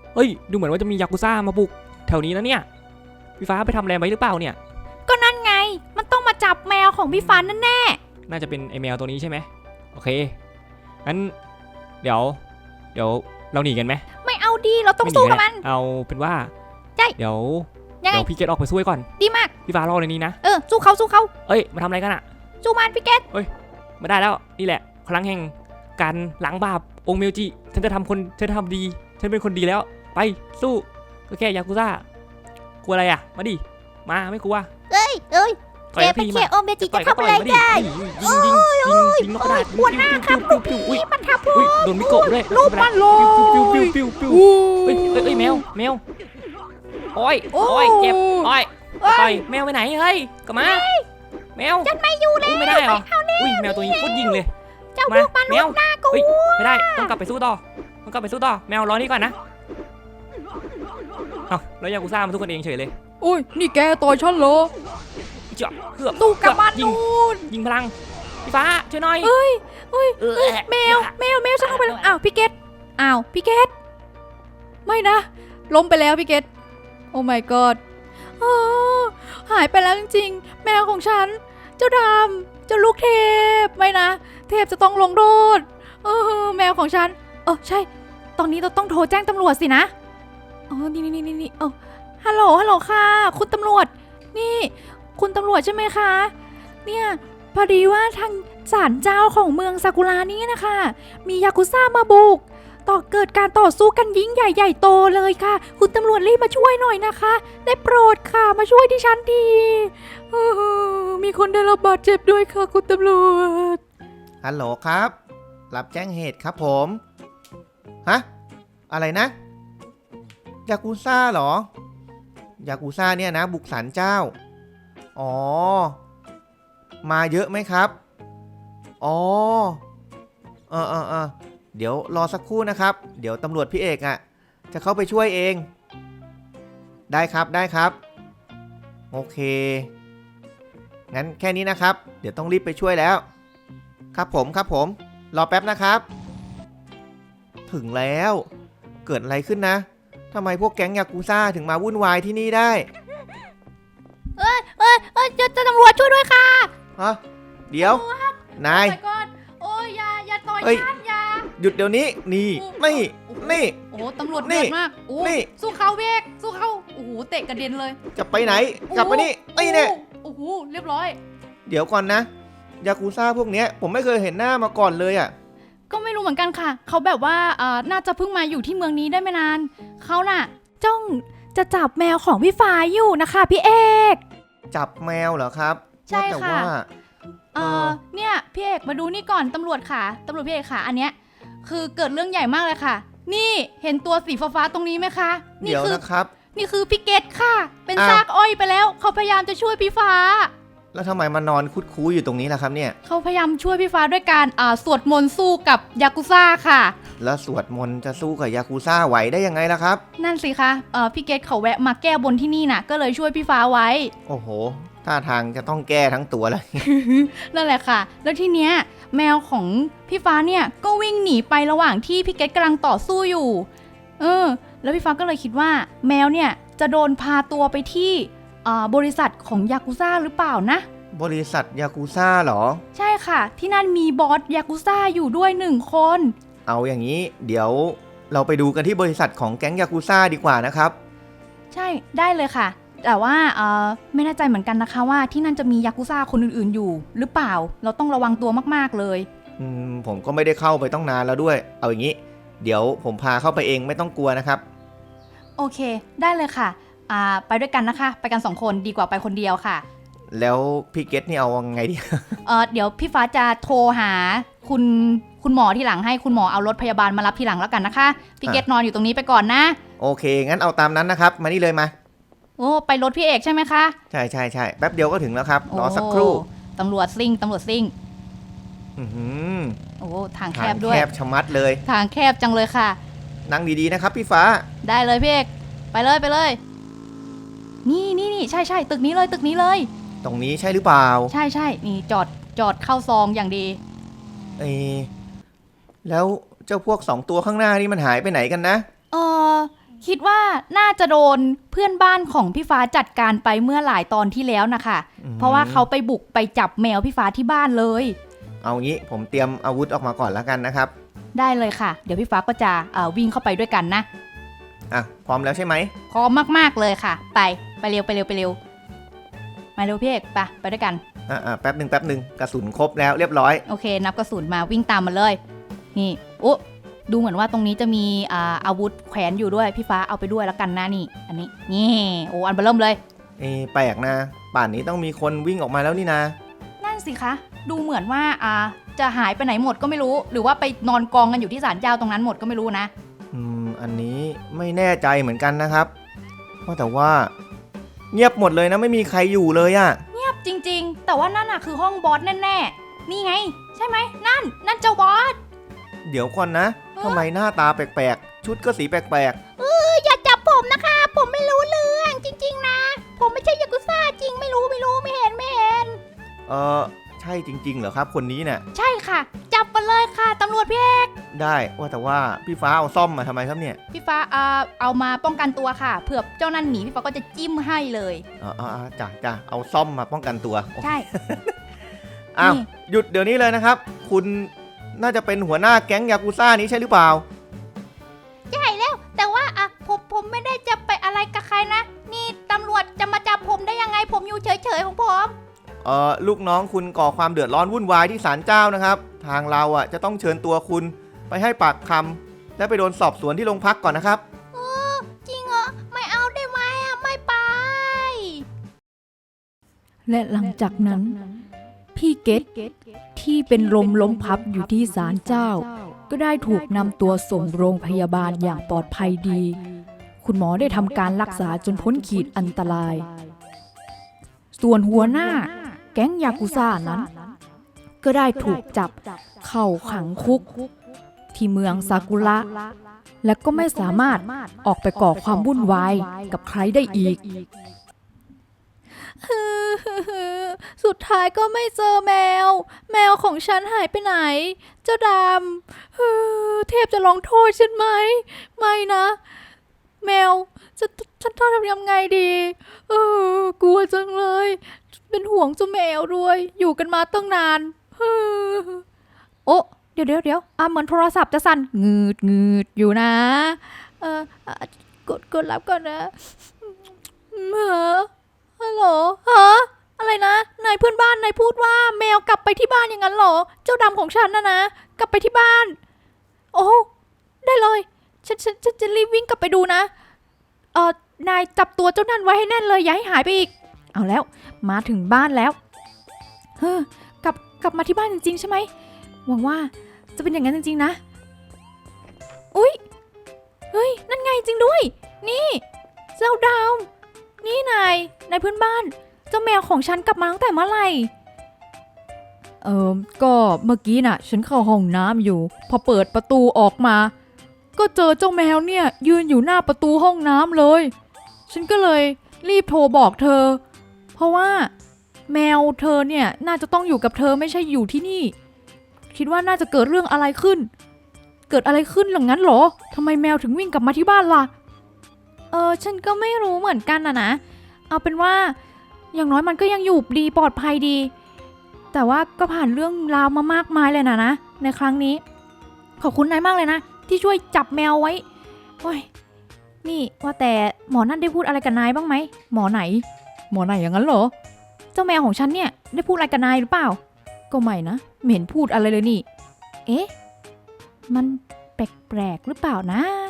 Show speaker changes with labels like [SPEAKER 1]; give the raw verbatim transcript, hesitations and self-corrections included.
[SPEAKER 1] เฮ้ยดูเหมือนว่าจะมียากุซ่ามาบุกแถวนี้นะเนี่ยพี่ฟ้าไปทำอะไรไว้หรือเปล่าเนี่ย
[SPEAKER 2] ก็นั่นไงมันต้องมาจับแมวของพี่ฟ้านั่นแน่
[SPEAKER 1] น่าจะเป็นไอแมวตัวนี้ใช่ไหมโอเคงั้นเดี๋ยวเดี๋ยวเราหนีกันไหม
[SPEAKER 2] ไม่เอาดีเราต้องสู้กับมัน
[SPEAKER 1] เอาเป็นว่า
[SPEAKER 2] ใช่
[SPEAKER 1] เดี๋ยว
[SPEAKER 2] เดี๋
[SPEAKER 1] ยวพี่เกตออกไปสู้ก่อน
[SPEAKER 2] ดีมาก
[SPEAKER 1] พี่ฟ้ารอในนี้นะ
[SPEAKER 2] เออสู้เขาสู้เขา
[SPEAKER 1] เอ้ยมาทำอะไรกันอะ
[SPEAKER 2] สู้มันพี่เกต
[SPEAKER 1] เอ้ยมาได้แล้วนี่แหละพลังแห่งการล้างบาปองค์เมลจิฉันจะทำคนฉันจะทำดีฉันเป็นคนดีแล้วไปสู้ก็แค่ยากุซ่ากลัวอะไรอะมาดิมาไม่กลัว
[SPEAKER 2] เอ้ยเอ้ยแกเป็นแค่โอเมจิจะทำอะไรได้
[SPEAKER 1] ยิงยิงยิงยิงนกกระดาษ
[SPEAKER 2] ปวดหน้าครับลูกพี่มันทับผม
[SPEAKER 1] โดนมิโกะด้วย
[SPEAKER 2] ลูกมันเลย
[SPEAKER 1] ปิ้วปิ้วปิ้วปิ้วเอ้ยเอ้ยแมวแมวโอ้ยโอ้ยเจ็บโอ้ยไปแมวไปไหนเฮ้ยกลับมาแมว
[SPEAKER 2] ฉันไม่อยู่แล้ว
[SPEAKER 1] ไม่ได้หรออุ้ยแมวตัวนี้โคตรยิงเลย
[SPEAKER 2] เจ้าพวกมันลูกหน้ากู
[SPEAKER 1] ไม่ได้ต้องกลับไปสู้ต่อต้องกลับไปสู้ต่อแมวรอนี่ก่อนนะเอ้าแล้วยากุซ่ามันสู้กันเองเฉยเลย
[SPEAKER 3] อุ้ยนี่แกต่อยฉันเหรอ
[SPEAKER 1] เจาะเกือบ
[SPEAKER 2] ตู้กับมัน
[SPEAKER 1] ยิงยิงพลังพี่ฟ้าช่วยหน่อย
[SPEAKER 2] เฮ้ยเฮ้ยแมวแมวแมวฉันเข้าไปแล้วอ้าวพี่เกตอ้าวพี่เกต
[SPEAKER 3] ไม่นะล้มไปแล้วพี่เกตโอ้ my god หายไปแล้วจริงๆแมวของฉันเจ้าดำเจ้าลูกเทพไม่นะเทพจะต้องลงโทษเออแมวของฉันเออใช่ตอนนี้เราต้องโทรแจ้งตำรวจสินะอ๋อนี่นี่นี่นี่เออฮัลโหลฮัลโหลค่ะคุณตำรวจนี่คุณตำรวจใช่ไหมคะเนี่ยพอดีว่าทางศาลเจ้าของเมืองซากุระนี้นะคะมียากุซ่ามาบุกต่อเกิดการต่อสู้กันยิ่งใหญ่ใหญ่โตเลยค่ะคุณตำรวจรีบมาช่วยหน่อยนะคะได้โปรดค่ะมาช่วยดิฉันทีมีคนได้รับบาดเจ็บด้วยค่ะคุณตำรวจ
[SPEAKER 4] ฮัลโหลครับรับแจ้งเหตุครับผมฮะอะไรนะยากุซ่าเหรอยากุซ่าเนี่ยนะบุกศาลเจ้าอ๋อมาเยอะไหมครับอ๋อเออเออเออเดี๋ยวรอสักครู่นะครับเดี๋ยวตำรวจพี่เอกอ่ะจะเข้าไปช่วยเองได้ครับได้ครับโอเคงั้นแค่นี้นะครับเดี๋ยวต้องรีบไปช่วยแล้วครับผมครับผมรอแป๊บนะครับถึงแล้วเกิดอะไรขึ้นนะทำไมพวกแก๊งยากุซ่าถึงมาวุ่นวายที่นี่ได้
[SPEAKER 2] เอ้ยเอ้ยเอ้ยจะตำรวจช่วยด้วยค่ะ
[SPEAKER 4] ฮะเดี๋ยวนาย
[SPEAKER 2] โอ้ยอย่าอย่าต่อยฉันอย่า
[SPEAKER 4] หยุดเดี๋ยวนี้นี่นี่นี่
[SPEAKER 3] โอ้ตำรวจเดือดมากโอ้สู้เขาเวกสู้เขาโอ้โหเตะกระเด็นเลย
[SPEAKER 4] จะไปไหนกลับมานี่ไอ้เนี่ย
[SPEAKER 3] โอ้โหเรียบร้อย
[SPEAKER 4] เดี๋ยวก่อนนะยากุซ่าพวกเนี้ยผมไม่เคยเห็นหน้ามาก่อนเลยอ่ะ
[SPEAKER 3] ก็ไม่รู้เหมือนกันค่ะเขาแบบว่าอ่าน่าจะเพิ่งมาอยู่ที่เมืองนี้ได้ไม่นานเขาน่ะ
[SPEAKER 2] จ้องจะจับแมวของพี่ฟ้าอยู่นะคะพี่เอก
[SPEAKER 4] จับแมวเหรอครับ
[SPEAKER 3] ใช่ค่ะเออเนี่ยพี่เอกมาดูนี่ก่อนตำรวจค่ะตำรวจพี่เอกค่ะอันเนี้ยคือเกิดเรื่องใหญ่มากเลยค่ะนี่เห็นตัวสีฟ้าๆตรงนี้ไหมคะ
[SPEAKER 4] นี่คือนะครับ
[SPEAKER 3] นี่คือพี่เกตค่ะเป็นซากอ้อยไปแล้วเขาพยายามจะช่วยพี่ฟ้า
[SPEAKER 4] แล้วทำไมมานอนคุดคู้อยู่ตรงนี้ล่ะครับเนี่ย
[SPEAKER 3] เขาพยายามช่วยพี่ฟ้าด้วยการอ่าสวดมนต์สู้กับยากุซ่าค่ะ
[SPEAKER 4] แล้วสวดมนต์จะสู้กับยากุซ่าไหวได้ยังไงล่ะครับ
[SPEAKER 3] นั่นสิคะเอ่อพี่เกตเขาแวะมาแก้บนที่นี่น่ะก็เลยช่วยพี่ฟ้าไว้
[SPEAKER 4] โอ้โหท่าทางจะต้องแก้ทั้งตัวเลย
[SPEAKER 3] นั่นแหละค่ะแล้วทีเนี้ยแมวของพี่ฟ้าเนี่ยก็วิ่งหนีไประหว่างที่พี่เกตกำลังต่อสู้อยู่เออแล้วพี่ฟ้าก็เลยคิดว่าแมวเนี่ยจะโดนพาตัวไปที่บริษัทของยากุซ่าหรือเปล่านะ
[SPEAKER 4] บริษัทยากุซ่าเหรอ
[SPEAKER 3] ใช่ค่ะที่นั่นมีบอสยากุซ่าอยู่ด้วยหนึ่งคน
[SPEAKER 4] เอาอย่างนี้เดี๋ยวเราไปดูกันที่บริษัทของแก๊งยากุซ่าดีกว่านะครับ
[SPEAKER 3] ใช่ได้เลยค่ะแต่ว่าเออไม่แน่ใจเหมือนกันนะคะว่าที่นั่นจะมียากุซ่าคนอื่นๆอยู่หรือเปล่าเราต้องระวังตัวมากๆเลย
[SPEAKER 4] อืมผมก็ไม่ได้เข้าไปต้องนานแล้วด้วยเอาอย่างนี้เดี๋ยวผมพาเข้าไปเองไม่ต้องกลัวนะครับ
[SPEAKER 3] โอเคได้เลยค่ะอ่าไปด้วยกันนะคะไปกันสองคนดีกว่าไปคนเดียวค่ะ
[SPEAKER 4] แล้วพี่เกตนี่เอาไงดี
[SPEAKER 3] เออเดี๋ยวพี่ฟ้าจะโทรหาคุณคุณหมอที่หลังให้คุณหมอเอารถพยาบาลมารับทีหลังแล้วกันนะคะพี่เกตนอนอยู่ตรงนี้ไปก่อนนะ
[SPEAKER 4] โอเคงั้นเอาตามนั้นนะครับมานี่เลยมา
[SPEAKER 3] โอ้ไปรถพี่เอกใช่ไหมคะ
[SPEAKER 4] ใช่ใช่ใช่แป๊บเดียวก็ถึงแล้วครับรอสักครู่
[SPEAKER 3] ตำรวจซิ่งตำรวจซิ่ง
[SPEAKER 4] อือ
[SPEAKER 3] โอ้ทางแคบด้วย
[SPEAKER 4] แคบชะมัดเลย
[SPEAKER 3] ทางแคบจังเลยค่ะ
[SPEAKER 4] นั่งดีๆนะครับพี่ฟ้า
[SPEAKER 3] ได้เลยพี่เอกไปเลยไปเลยนี่นี่นี่ใช่ใช่ตึกนี้เลยตึกนี้เลย
[SPEAKER 4] ตรงนี้ใช่หรือเปล่า
[SPEAKER 3] ใช่ใช่นี่จอดจอดเข้าซองอย่างดี
[SPEAKER 4] เอแล้วเจ้าพวกสองตัวข้างหน้านี่มันหายไปไหนกันนะ
[SPEAKER 3] เออ
[SPEAKER 2] คิดว่าน่าจะโดนเพื่อนบ้านของพี่ฟ้าจัดการไปเมื่อหลายตอนที่แล้วนะคะ
[SPEAKER 4] อืม
[SPEAKER 2] เพราะว่าเขาไปบุกไปจับแมวพี่ฟ้าที่บ้านเลย
[SPEAKER 4] เอางี้ผมเตรียมอาวุธออกมาก่อนแล้วกันนะครับ
[SPEAKER 2] ได้เลยค่ะ เดี๋ยวพี่ฟ้าก็จะเอ่อวิ่งเข้าไปด้วยกันนะ
[SPEAKER 4] อ่ะพร้อมแล้วใช่ไหม
[SPEAKER 2] พร้อมมากๆเลยค่ะ ไปไปเร็วไปเร็วไปเร็วมาเร็วพี่เอกไปไปด้วยกัน
[SPEAKER 4] อ่ะอ่ะแป๊บหนึ่งแป๊บหนึ่งกระสุนครบแล้วเรียบร้อย
[SPEAKER 2] โอเค นับกระสุนมาวิ่งตามมาเลยนี่โอ้ดูเหมือนว่าตรงนี้จะมีอ่าอาวุธแขวนอยู่ด้วยพี่ฟ้าเอาไปด้วยแล้วกันนะนี่ อันนี้นี่โอ้อันเบอร์เริ่มเลย
[SPEAKER 4] เอะแปลกนะ ป่านนี้ต้องมีคนวิ่งออกมาแล้วนี่นะ
[SPEAKER 2] นั่นสิคะดูเหมือนว่าอ่าจะหายไปไหนหมดก็ไม่รู้ หรือว่าไปนอนกองกันอยู่ที่ศาลเจ้าตรงนั้นหมดก็ไม่รู้นะ
[SPEAKER 4] อืมอันนี้ไม่แน่ใจเหมือนกันนะครับว่าแต่ว่า เงียบหมดเลยนะไม่มีใครอยู่เลยอะ
[SPEAKER 2] จริงๆ แต่ว่านั่นน่ะคือห้องบอสแน่ๆนี่ไงใช่ไหมนั่นนั่นเจ้าบอส
[SPEAKER 4] เดี๋ยวก่อนนะทำไมหน้าตาแปลกๆ ชุดก็สีแปลก
[SPEAKER 2] อย่าจับผมนะคะ ผมไม่รู้เรื่องจริงๆนะ ผมไม่ใช่ยากุซ่าจริงไม่รู้ไม่รู้ไม่เห็นไม่เห็น
[SPEAKER 4] ๆ เออใช่จริงๆเหรอครับคนนี้เนี่ย
[SPEAKER 2] ใช่ค่ะ จับมาเลยค่ะตำรวจพี่เอก
[SPEAKER 4] ได้ว่าแต่ว่าพี่ฟ้าเอาซ่อมมาทำไมครับเนี่ย
[SPEAKER 2] พี่ฟ้าเอาเอามาป้องกันตัวค่ะเผื่อเจ้านั่นหนีพี่ฟ้าก็จะจิ้มให้เลย
[SPEAKER 4] อ๋ออ๋อจ้ะจ้ะเอาซ่อมมาป้องกันตัว
[SPEAKER 2] ใช่
[SPEAKER 4] อ้าว
[SPEAKER 2] นี่
[SPEAKER 4] หยุดเดี๋ยวนี้เลยนะครับ คุณน่าจะเป็นหัวหน้าแก๊งยากุซ่านี้ใช่หรือเปล่า
[SPEAKER 2] ใช่แล้วแต่ว่าอ่ะผมผมไม่ได้จะไปอะไรกับใครนะ นี่ตำรวจจะมาจับผมได้ยังไงผมอยู่เฉยๆของผม
[SPEAKER 4] เอ่อลูกน้องคุณก่อความเดือดร้อนวุ่นวายที่ศาลเจ้านะครับ ทางเราอ่ะจะต้องเชิญตัวคุณไปให้ปากคำและไปโดนสอบสวนที่โรงพักก่อนนะครับ
[SPEAKER 2] จริงเหรอไม่เอาได้ไหมอ่ะไม่ไป
[SPEAKER 3] และหลังจากนั้น พี่เกตที่เป็นลมล้มพับอยู่ที่ศาลเจ้า ก็ได้ถูกนำตัวส่งโรงพยาบาลอย่างปลอดภัยดี คุณหมอได้ทำการรักษาจนพ้นขีดอันตราย ส่วนหัวหน้าแก๊งยากุซ่านั้น ก็ได้ถูกจับเข้าขังคุก ที่เมืองซากุระ และก็ไม่สามารถออกไปก่อความวุ่นวายกับใครได้อีก สุดท้ายก็ไม่เจอแมว แมวของฉันหายไปไหน เจ้าดำเฮ้อเทพจะลงโทษฉันไหม ไม่นะ แมวจะฉันต้องทำยังไงดีเออกลัวจังเลย เป็นห่วงเจ้าแมวด้วย อยู่กันมาตั้งนานเฮ้อโอ้เดี๋ยวเดี๋ยวเดี๋ยวอ่ะเหมือนโทรศัพท์จะสั่นงืดงืดอยู่นะ เอออ่ะกดกดรับก่อนนะเหรอฮัลโหลฮะอะไรนะนายเพื่อนบ้านนายพูดว่าแมวกลับไปที่บ้านอย่างนั้นเหรอ เจ้าดำของฉันนะนะกลับไปที่บ้าน โอ้ได้เลยฉันฉันฉันจะรีบวิ่งกลับไปดูนะเออนายจับตัวเจ้านั่นไว้ให้แน่นเลยอย่าให้หายไปอีก เอาแล้วมาถึงบ้านแล้วเฮ้อกลับกลับมาที่บ้านจริงๆใช่ไหมหวังว่าจะเป็นอย่างนั้นจริงๆนะอุ๊ยเฮ้ยนั่นไงจริงด้วยนี่เจ้าดาวนี่นายนายเพื่อนบ้านเจ้าแมวของฉันกลับมาตั้งแต่เมื่อไหร่เออก็เมื่อกี้น่ะฉันเข้าห้องน้ำอยู่พอเปิดประตูออกมาก็เจอเจ้าแมวเนี่ยยืนอยู่หน้าประตูห้องน้ำเลยฉันก็เลยรีบโทรบอกเธอเพราะว่าแมวเธอเนี่ยน่าจะต้องอยู่กับเธอไม่ใช่อยู่ที่นี่คิดว่าน่าจะเกิดเรื่องอะไรขึ้นเกิดอะไรขึ้นหลังนั้นเหรอทำไมแมวถึงวิ่งกลับมาที่บ้านล่ะเออฉันก็ไม่รู้เหมือนกันนะนะเอาเป็นว่าอย่างน้อยมันก็ยังอยู่ดีปลอดภัยดีแต่ว่าก็ผ่านเรื่องราวมามากมายเลยนะนะในครั้งนี้ขอบคุณนายมากเลยนะที่ช่วยจับแมวไว้โอ้ยนี่ว่าแต่หมอนั่นได้พูดอะไรกับนายบ้างไหมหมอไหนหมอไหนอย่างนั้นเหรอเจ้าแมวของฉันเนี่ยได้พูดอะไรกับนายหรือเปล่าก็ไม่นะไม่เห็นพูดอะไรเลยนี่เอ๊ะมันแปลกๆหรือเปล่านะ